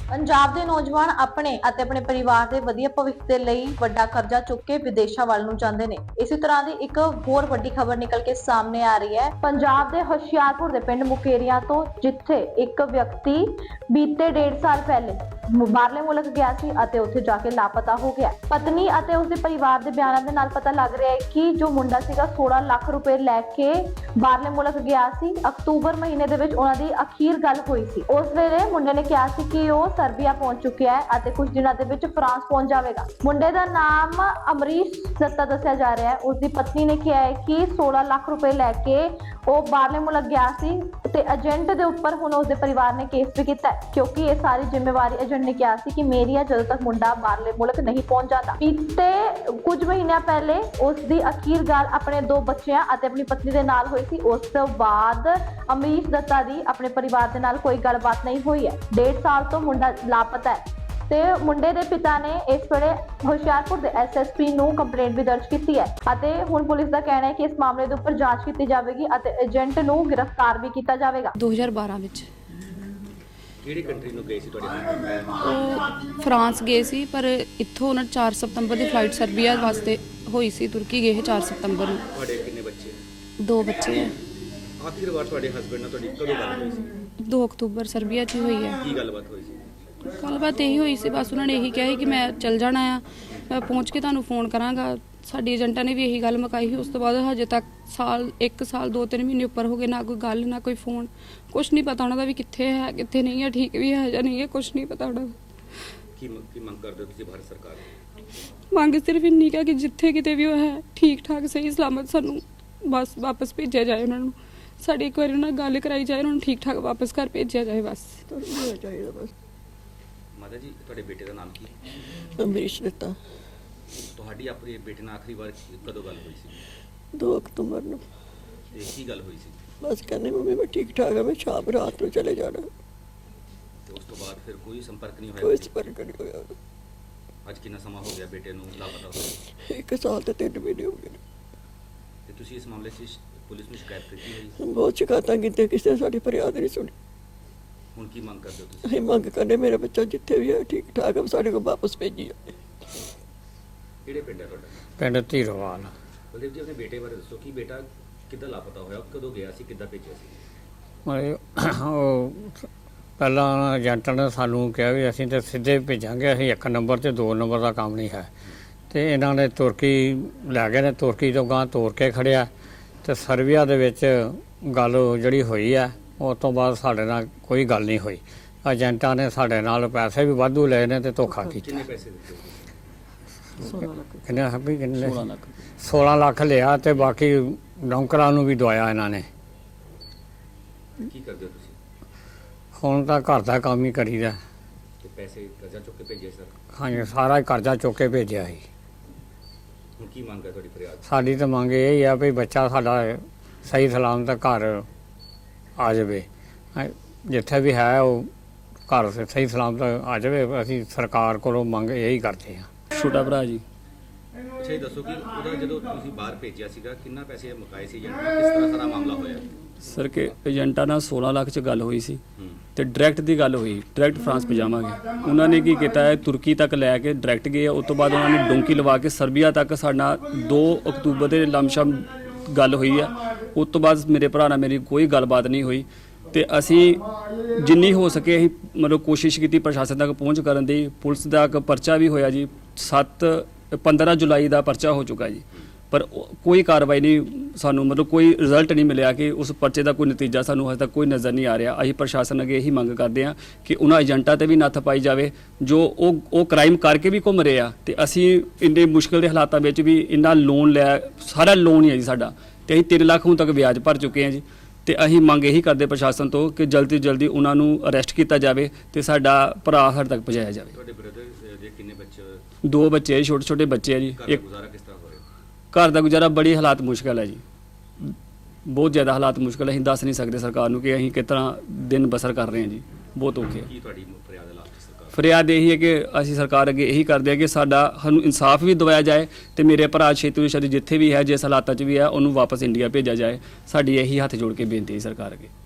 ਪੰਜਾਬ ਦੇ ਨੌਜਵਾਨ ਆਪਣੇ ਅਤੇ ਆਪਣੇ ਪਰਿਵਾਰ ਦੇ ਵਧੀਆ ਭਵਿੱਖ ਦੇ ਲਈ ਵੱਡਾ ਕਰਜ਼ਾ ਚੁੱਕ ਕੇ ਵਿਦੇਸ਼ਾਂ ਵੱਲ ਨੂੰ ਜਾਂਦੇ ਨੇ। ਇਸੇ ਤਰ੍ਹਾਂ ਦੀ ਇੱਕ ਹੋਰ ਵੱਡੀ ਖਬਰ ਨਿਕਲ ਕੇ ਸਾਹਮਣੇ ਆ ਰਹੀ ਹੈ ਪੰਜਾਬ ਦੇ ਹੁਸ਼ਿਆਰਪੁਰ ਦੇ ਪਿੰਡ ਮੁਕੇਰੀਆਂ ਤੋਂ, ਜਿੱਥੇ ਇੱਕ ਵਿਅਕਤੀ ਬੀਤੇ 1.5 ਸਾਲ ਪਹਿਲੇ ਬਾਹਰਲੇ ਮੁਲਕ ਗਿਆ ਸੀ ਅਤੇ ਉੱਥੇ ਜਾ ਕੇ ਲਾਪਤਾ ਹੋ ਗਿਆ। ਪਤਨੀ ਅਤੇ ਉਸਦੇ ਪਰਿਵਾਰ ਦੇ ਬਿਆਨਾਂ ਦੇ ਨਾਲ ਪਤਾ ਲੱਗ ਰਿਹਾ ਹੈ ਕਿ ਜੋ ਮੁੰਡਾ ਸੀਗਾ 16 ਲੱਖ ਰੁਪਏ ਲੈ ਕੇ ਬਾਹਰਲੇ ਮੁਲਕ ਗਿਆ ਸੀ। ਅਕਤੂਬਰ ਮਹੀਨੇ ਦੇ ਵਿੱਚ ਉਹਨਾਂ ਦੀ ਅਖੀਰ ਗੱਲ ਹੋਈ ਸੀ। ਉਸ ਵੇਲੇ ਮੁੰਡੇ ਨੇ ਕਿਹਾ ਸੀ ਕਿ ਉਹ ਸਰਬੀਆ ਪਹੁੰਚ ਚੁੱਕਿਆ ਹੈ ਅਤੇ ਕੁਝ ਦਿਨਾਂ ਦੇ ਵਿੱਚ ਫਰਾਂਸ ਪਹੁੰਚ ਜਾਵੇਗਾ। ਮੁੰਡੇ ਦਾ ਨਾਮ ਅਮਰੀਸ਼ ਦੱਤਾ ਦੱਸਿਆ ਜਾ ਰਿਹਾ ਹੈ। ਉਸਦੀ ਪਤਨੀ ਨੇ ਕਿਹਾ ਹੈ ਕਿ 16 ਲੱਖ ਰੁਪਏ ਲੈ ਕੇ ਉਹ ਬਾਹਰਲੇ ਮੁਲਕ ਗਿਆ ਸੀ ਤੇ ਏਜੰਟ ਦੇ ਉੱਪਰ ਹੁਣ ਉਸਦੇ ਪਰਿਵਾਰ ਨੇ ਕੇਸ ਵੀ ਕੀਤਾ ਹੈ, ਕਿਉਂਕਿ ਇਹ ਸਾਰੀ ਜ਼ਿੰਮੇਵਾਰੀ ਏਜੰਟ ਨੇ ਕਿਹਾ ਸੀ ਕਿ ਮੇਰੀ ਹੈ ਜਦੋਂ ਤੱਕ ਮੁੰਡਾ ਬਾਹਰਲੇ ਮੁਲਕ ਨਹੀਂ ਪਹੁੰਚ ਜਾਂਦਾ। ਬੀਤੇ ਕੁਝ ਮਹੀਨਿਆਂ ਪਹਿਲੇ ਉਸ ਦੀ ਅਖੀਰ ਗੱਲ ਆਪਣੇ 2 ਬੱਚਿਆਂ ਅਤੇ ਆਪਣੀ ਪਤਨੀ ਦੇ ਨਾਲ ਹੋਈ ਸੀ। ਉਸ ਤੋਂ ਬਾਅਦ ਅਮਰੀਸ਼ ਦੱਤਾ ਦੀ ਆਪਣੇ ਪਰਿਵਾਰ ਦੇ ਨਾਲ ਕੋਈ ਗੱਲਬਾਤ ਨਹੀਂ ਹੋਈ ਹੈ। 1.5 ਸਾਲ ਤੋਂ ਮੁੰਡਾ ਲਾਪਤਾ ਹੈ ਤੇ ਮੁੰਡੇ ਦੇ ਪਿਤਾ ਨੇ ਇਸ ਵੇਲੇ ਹੁਸ਼ਿਆਰਪੁਰ ਦੇ ਐਸਐਸਪੀ ਨੂੰ ਕੰਪਲੇਂਟ ਵੀ ਦਰਜ ਕੀਤੀ ਹੈ ਅਤੇ ਹੁਣ ਪੁਲਿਸ ਦਾ ਕਹਿਣਾ ਹੈ ਕਿ ਇਸ ਮਾਮਲੇ ਦੇ ਉੱਪਰ ਜਾਂਚ ਕੀਤੀ ਜਾਵੇਗੀ ਅਤੇ ਏਜੰਟ ਨੂੰ ਗ੍ਰਿਫਤਾਰ ਵੀ ਕੀਤਾ ਜਾਵੇਗਾ। 2012 ਵਿੱਚ ਕਿਹੜੀ ਕੰਟਰੀ ਨੂੰ ਗਏ ਸੀ ਤੁਹਾਡੇ ਹਸਬੰਦ? ਉਹ ਫਰਾਂਸ ਗਏ ਸੀ, ਪਰ ਇੱਥੋਂ ਉਹਨਾਂ 4 ਸਤੰਬਰ ਦੀ ਫਲਾਈਟ ਸਰਬੀਆ ਵਾਸਤੇ ਹੋਈ ਸੀ। ਤੁਰਕੀ ਗਏ 4 ਸਤੰਬਰ ਨੂੰ। ਤੁਹਾਡੇ ਕਿੰਨੇ ਬੱਚੇ? 2 ਬੱਚੇ ਹੈ। ਆਖਿਰ ਵਾਰ ਤੁਹਾਡੇ ਹਸਬੰਦ ਨਾਲ ਤੁਹਾਡੀ ਕਦੋਂ ਗੱਲ ਹੋਈ ਸੀ? 2 ਅਕਤੂਬਰ ਸਰਬੀਆ 'ਚ ਹੀ ਹੋਈ ਹੈ। ਕੀ ਗੱਲਬਾਤ ਹੋਈ ਸੀ? ਗੱਲਬਾਤ ਇਹੀ ਹੋਈ ਸੀ, ਬਸ ਉਹਨਾਂ ਨੇ ਇਹੀ ਕਿਹਾ ਸੀ ਕਿ ਮੈਂ ਚੱਲ ਜਾਣਾ ਆ, ਮੈਂ ਪਹੁੰਚ ਕੇ ਤੁਹਾਨੂੰ ਫੋਨ ਕਰਾਂਗਾ। ਸਾਡੀ ਏਜੰਟਾਂ ਨੇ ਵੀ ਇਹੀ ਗੱਲ ਮੁਕਾਈ ਸੀ। ਉਸ ਤੋਂ ਬਾਅਦ ਹਜੇ ਤੱਕ 1 ਸਾਲ 2-3 ਮਹੀਨੇ ਉੱਪਰ ਹੋ ਗਏ, ਨਾ ਕੋਈ ਗੱਲ ਨਾ ਕੋਈ ਫੋਨ, ਕੁਛ ਨਹੀਂ ਪਤਾ ਉਹਨਾਂ ਦਾ ਵੀ ਕਿੱਥੇ ਹੈ ਕਿੱਥੇ ਨਹੀਂ ਹੈ, ਠੀਕ ਵੀ ਹੈ ਜਾਂ ਨਹੀਂ ਹੈ, ਕੁਛ ਨਹੀਂ ਪਤਾ ਉਹਨਾਂ ਦਾ। ਕੀ ਮੰਗ ਕਰਦੇ ਹੋ ਤੁਸੀਂ ਭਾਰਤ ਸਰਕਾਰ ਤੋਂ? ਮੰਗ ਸਿਰਫ ਇੰਨੀ ਕਿ ਜਿੱਥੇ ਕਿਤੇ ਵੀ ਉਹ ਹੈ ਠੀਕ ਠਾਕ ਸਹੀ ਸਲਾਮਤ ਸਾਨੂੰ ਬਸ ਵਾਪਸ ਭੇਜਿਆ ਜਾਏ। ਉਹਨਾਂ ਨੂੰ ਸਾਡੀ ਇੱਕ ਵਾਰੀ ਉਹਨਾਂ ਨਾਲ ਗੱਲ ਕਰਾਈ ਜਾਏ, ਉਹਨਾਂ ਨੂੰ ਠੀਕ ਠਾਕ ਵਾਪਸ ਘਰ ਭੇਜਿਆ ਜਾਏ ਬਸ। ਚਾਹੀਦਾ ਬਸ। ਮਾਤਾ ਜੀ, ਤੁਹਾਡੇ ਬੇਟੇ ਦਾ ਨਾਮ ਕੀ? ਅਮਰੀਸ਼ ਦਿੱਤਾ। ਤੁਹਾਡੀ ਆਪਣੇ ਬੇਟੇ ਨਾਲ ਆਖਰੀ ਵਾਰ ਕਦੋਂ ਗੱਲ ਹੋਈ ਸੀ? 2 ਅਕਤੂਬਰ ਨੂੰ। ਤੇ ਕੀ ਗੱਲ ਹੋਈ ਸੀ? ਬਸ ਕਹਿੰਦੇ ਮੰਮੀ ਮੈਂ ਠੀਕ ਠਾਕ ਹਾਂ, ਮੈਂ ਸ਼ਾਮ ਰਾਤ ਨੂੰ ਚਲੇ ਜਾਣਾ। ਤੇ ਉਸ ਤੋਂ ਬਾਅਦ ਫਿਰ ਕੋਈ ਸੰਪਰਕ ਨਹੀਂ ਕੋਈ ਹੋਇਆ? ਸੰਪਰਕ ਨਹੀਂ ਹੋਇਆ। ਅੱਜ ਕਿੰਨਾ ਸਮਾਂ ਹੋ ਗਿਆ ਬੇਟੇ ਨੂੰ ਲਾਪਤਾ ਹੋਏ? 1 ਸਾਲ ਤੇ 3 ਮਹੀਨੇ ਹੋ ਗਏ ਨੇ। ਤੇ ਤੁਸੀਂ ਇਸ ਮਾਮਲੇ 'ਚ ਪੁਲਿਸ ਨੂੰ ਸ਼ਿਕਾਇਤ ਕੀਤੀ ਹੋਈ? ਬਹੁਤ ਸ਼ਿਕਾਇਤਾਂ ਕੀਤੀਆਂ, ਕਿਸੇ ਨੇ ਸਾਡੀ ਫਰਿਆਦ ਨਹੀਂ ਸੁਣੀ। ਹੁਣ ਕੀ ਮੰਗ ਕਰਦੇ ਹੋ ਤੁਸੀਂ? ਅਸੀਂ ਮੰਗ ਕਰਦੇ ਮੇਰਾ ਬੱਚਾ ਜਿੱਥੇ ਵੀ ਹੈ ਠੀਕ ਠਾਕ ਹੈ, ਸਾਡੇ ਕੋਲ ਵਾਪਸ ਭੇਜੀ ਜਾਵੇ। ਕਿਹੜੇ ਪਿੰਡ ਹੈ ਤੁਹਾਡਾ? ਪਿੰਡ ਧੀਰੋਵਾਲ। ਬਲਦੇਵ ਜੀ, ਆਪਣੇ ਬੇਟੇ ਬਾਰੇ ਦੱਸੋ ਕਿ ਬੇਟਾ ਕਿੱਦਾਂ ਲਾਪਤਾ ਹੋਇਆ, ਕਦੋਂ ਗਿਆ ਸੀ, ਕਿੱਦਾਂ ਭੇਜਿਆ ਸੀ? ਉਹ ਪਹਿਲਾਂ ਏਜੰਟ ਨੇ ਸਾਨੂੰ ਕਿਹਾ ਵੀ ਅਸੀਂ ਤਾਂ ਸਿੱਧੇ ਭੇਜਾਂਗੇ, ਅਸੀਂ 1 ਨੰਬਰ ਤੇ 2 ਨੰਬਰ ਦਾ ਕੰਮ ਨਹੀਂ ਹੈ। ਤੇ ਇਹਨਾਂ ਨੇ ਤੁਰਕੀ ਲੈ ਗਏ ਨੇ, ਤੁਰਕੀ ਤੋਂ ਗਾਂ ਤੋਰ ਕੇ ਖੜਿਆ ਤੇ ਸਰਬੀਆ ਦੇ ਵਿੱਚ ਗੱਲ ਜਿਹੜੀ ਹੋਈ ਹੈ ਉਸ ਤੋਂ ਬਾਅਦ ਸਾਡੇ ਨਾਲ ਕੋਈ ਗੱਲ ਨਹੀਂ ਹੋਈ। ਏਜੰਟਾਂ ਨੇ ਸਾਡੇ ਨਾਲ ਪੈਸੇ ਵੀ ਵਾਧੂ ਲਏ ਨੇ ਤੇ ਧੋਖਾ ਕੀਤਾ। ਕਿੰਨੇ ਪੈਸੇ ਦਿੱਤੇ? 16 ਲੱਖ। ਕਿੰਨੇ 16 ਲੱਖ ਲਿਆ ਤੇ ਬਾਕੀ ਨੌਕਰਾਂ ਨੂੰ ਵੀ ਦਵਾਇਆ ਇਹਨਾਂ ਨੇ। ਕੀ ਕਰਦੇ ਹੋ ਤੁਸੀਂ? ਹੁਣ ਤਾਂ ਘਰ ਦਾ ਕੰਮ ਹੀ ਕਰੀਦਾ। ਤੇ ਪੈਸੇ ਕਰਜ਼ਾ ਚੁੱਕ ਕੇ ਭੇਜੇ ਸਰ? ਹਾਂਜੀ, ਸਾਰਾ ਹੀ ਕਰਜ਼ਾ ਚੁੱਕ ਕੇ ਭੇਜਿਆ ਸੀ। ਹੁਣ ਕੀ ਮੰਗ ਹੈ ਤੁਹਾਡੀ ਫਰਿਆਦ? ਸਾਡੀ ਤਾਂ ਮੰਗ ਇਹ ਹੀ ਆ ਵੀ ਬੱਚਾ ਸਾਡਾ ਸਹੀ ਸਲਾਮਤ ਘਰ ਆ ਜਾਵੇ। ਜਿੱਥੇ ਵੀ ਹੈ ਉਹ ਘਰ ਸਹੀ ਸਲਾਮਤ ਆ ਜਾਵੇ। ਅਸੀਂ ਸਰਕਾਰ ਕੋਲੋਂ ਮੰਗ ਇਹੀ ਕਰਦੇ ਹਾਂ। ਛੋਟਾ ਭਰਾ ਜੀ। ਅੱਛਾ, ਇਹ ਦੱਸੋ ਕਿ ਉਹਦਾ ਜਦੋਂ ਤੁਸੀਂ ਬਾਹਰ ਭੇਜਿਆ ਸੀਗਾ ਕਿੰਨਾ ਪੈਸੇ ਮੁਕਾਏ ਸੀ ਏਜੰਟ ਨਾਲ, ਕਿਸ ਤਰ੍ਹਾਂ ਸਾਰਾ ਮਾਮਲਾ ਹੋਇਆ? ਸਰ ਕਿ ਏਜੰਟਾਂ ਨਾਲ 16 ਲੱਖ 'ਚ ਗੱਲ ਹੋਈ ਸੀ ਹੂੰ। ਤੇ ਡਾਇਰੈਕਟ ਦੀ ਗੱਲ ਹੋਈ, ਡਾਇਰੈਕਟ ਫਰਾਂਸ ਭਜਾਵਾਂਗੇ। ਉਹਨਾਂ ਨੇ ਕੀ ਕੀਤਾ ਹੈ, ਤੁਰਕੀ ਤੱਕ ਲੈ ਕੇ ਡਾਇਰੈਕਟ ਗਏ। ਉਸ ਤੋਂ ਬਾਅਦ ਉਹਨਾਂ ਨੇ ਡੋਂਕੀ ਲਵਾ ਕੇ ਸਰਬੀਆ ਤੱਕ ਸਾਡਾ 2 ਅਕਤੂਬਰ ਦੇ ਲਮਸ਼ਮ ਗੱਲ ਹੋਈ ਹੈ। ਉਸ ਤੋਂ ਬਾਅਦ ਮੇਰੇ ਭਰਾ ਨਾਲ ਮੇਰੀ ਕੋਈ ਗੱਲਬਾਤ ਨਹੀਂ ਹੋਈ ਤੇ ਅਸੀਂ ਜਿੰਨੀ ਹੋ ਸਕੇ ਅਸੀਂ ਮਤਲਬ ਕੋਸ਼ਿਸ਼ ਕੀਤੀ ਪ੍ਰਸ਼ਾਸਨ ਤੱਕ ਪਹੁੰਚ ਕਰਨ ਦੀ। ਪੁਲਿਸ ਦਾ ਇੱਕ ਪਰਚਾ ਵੀ ਹੋਇਆ ਜੀ, 15 ਜੁਲਾਈ ਦਾ ਪਰਚਾ ਹੋ ਚੁੱਕਾ ਜੀ, ਪਰ ਕੋਈ ਕਾਰਵਾਈ ਨਹੀਂ, ਸਾਨੂੰ ਮਤਲਬ ਕੋਈ ਰਿਜ਼ਲਟ ਨਹੀਂ ਮਿਲਿਆ ਕਿ ਉਸ ਪਰਚੇ ਦਾ ਕੋਈ ਨਤੀਜਾ ਸਾਨੂੰ ਹਜੇ ਤੱਕ ਕੋਈ ਨਜ਼ਰ ਨਹੀਂ ਆ ਰਿਹਾ। ਅਸੀਂ ਪ੍ਰਸ਼ਾਸਨ ਅੱਗੇ ਇਹੀ ਮੰਗ ਕਰਦੇ ਹਾਂ ਕਿ ਉਹਨਾਂ ਏਜੰਟਾਂ ਤੇ ਵੀ ਨੱਥ ਪਾਈ ਜਾਵੇ ਜੋ ਉਹ ਕ੍ਰਾਈਮ ਕਰਕੇ ਵੀ ਘੁੰਮ ਰਹੇ ਆ। ਤੇ ਅਸੀਂ ਇੰਨੇ ਮੁਸ਼ਕਿਲ ਦੇ ਹਾਲਾਤਾਂ ਵਿੱਚ ਵੀ ਇੰਨਾ ਲੋਨ ਲਿਆ, ਸਾਰਾ ਲੋਨ ਹੀ ਹੈ ਜੀ ਸਾਡਾ, ਤੇ ਅਸੀਂ 3 ਲੱਖ ਹੁਣ ਤੱਕ ਵਿਆਜ ਭਰ ਚੁੱਕੇ ਹਾਂ ਜੀ। ਤੇ ਅਸੀਂ ਮੰਗ ਇਹੀ ਕਰਦੇ ਪ੍ਰਸ਼ਾਸਨ ਤੋਂ ਕਿ ਜਲਦੀ ਤੋਂ ਜਲਦੀ ਉਹਨਾਂ ਨੂੰ ਅਰੈਸਟ ਕੀਤਾ ਜਾਵੇ ਤੇ ਸਾਡਾ ਭਰਾ ਸਾਡੇ ਤੱਕ ਪਹੁੰਚਾਇਆ ਜਾਵੇ। ਤੁਹਾਡੇ ਬ੍ਰਦਰ ਦੇ ਕਿੰਨੇ ਬੱਚੇ? 2 ਬੱਚੇ, ਛੋਟੇ ਛੋਟੇ ਬੱਚੇ ਆ ਜੀ। ਘਰ ਦਾ ਗੁਜ਼ਾਰਾ ਕਿਸ ਤਰ੍ਹਾਂ ਹੋ ਰਿਹਾ? ਘਰ ਦਾ ਗੁਜ਼ਾਰਾ ਬੜੀ ਹਾਲਾਤ ਮੁਸ਼ਕਲ ਹੈ ਜੀ, ਬਹੁਤ ਜ਼ਿਆਦਾ ਹਾਲਾਤ ਮੁਸ਼ਕਲ ਹੈ। ਅਸੀਂ ਦੱਸ ਨਹੀਂ ਸਕਦੇ ਸਰਕਾਰ ਨੂੰ ਕਿ ਅਸੀਂ ਕਿਸ ਤਰ੍ਹਾਂ ਦਿਨ ਬਸਰ ਕਰ ਰਹੇ ਹਾਂ ਜੀ, ਬਹੁਤ ਔਖੇ। ਕੀ ਤੁਹਾਡੀ ਫਰਿਆਦ ਹੈ ਲਾਸਟ ਸਰਕਾਰ? ਫਰਿਆਦ ਇਹੀ ਹੈ ਕਿ ਅਸੀਂ ਸਰਕਾਰ ਅੱਗੇ ਇਹੀ ਕਰਦੇ ਹਾਂ ਕਿ ਸਾਨੂੰ ਇਨਸਾਫ ਵੀ ਦਿਵਾਇਆ ਜਾਏ ਤੇ ਮੇਰੇ ਭਰਾ ਛੇਤੀ ਤੋਂ ਛੇਤੀ ਜਿੱਥੇ ਵੀ ਹੈ, ਜਿਸ ਹਾਲਾਤਾਂ 'ਚ ਵੀ ਹੈ, ਉਹਨੂੰ ਵਾਪਸ ਇੰਡੀਆ ਭੇਜਿਆ ਜਾਏ। ਸਾਡੀ ਇਹੀ ਹੱਥ ਜੋੜ ਕੇ ਬੇਨਤੀ ਹੈ ਸਰਕਾਰ ਅੱਗੇ।